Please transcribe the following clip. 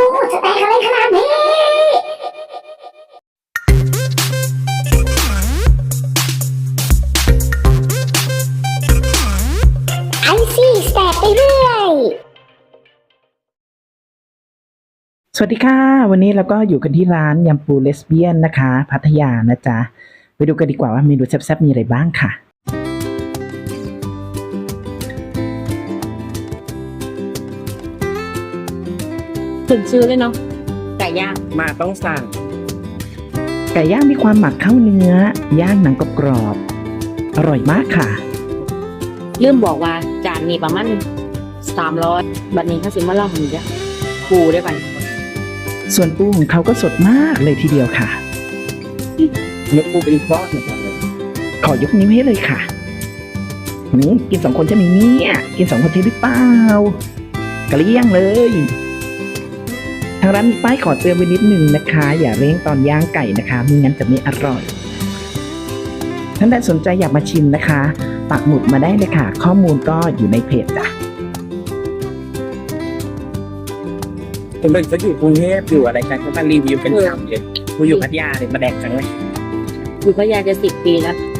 จะแตกอะไรขนาดนี้ไอซี่สแตกไปเรื่อยสวัสดีค่ะวันนี้เราก็อยู่กันที่ร้านยำปูเลสเบี้ยนนะคะพัทยานะจ๊ะไปดูกันดีกว่าว่าเมนูแซ่บๆมีอะไรบ้างค่ะถึงชื่อเลยเนาะไก่ย่างมาต้องสั่งไก่ย่างมีความหมักเข้าเนื้อย่างหนังกรอบๆอร่อยมากค่ะลืมบอกว่าจานนี้ประมาณ300บัดนี้เขาสิมาเล่าให้จ้ะปูได้ไปส่วนปูของเขาก็สดมากเลยทีเดียวค่ะเนื้อปูเป็นก้อนเหมือนกันเลยขอยกนิ้วให้เลยค่ะนี่กิน2 คนจะมีเนี่ยกิน2 คนใช่หรือเปล่ากระเลี่ยงเลยทางร้านมีป้ายขอเตือนไว้นิดนึงนะคะ อย่าเร่งตอนย่างไก่นะคะไม่งั้นจะไม่อร่อยท่านใดสนใจอยากมาชิมนะคะปักหมุดมาได้เลยค่ะ ข้อมูลก็อยู่ในเพจจ้ะผมเป็นเขาอยู่กรุงเทพอยู่อะไรกันเขามารีวิวเป็นฉ่ำเลยกูอยู่พัทยาเลยมาแดกจังเลยอยู่พัทยาจะ10 ปีแล้ว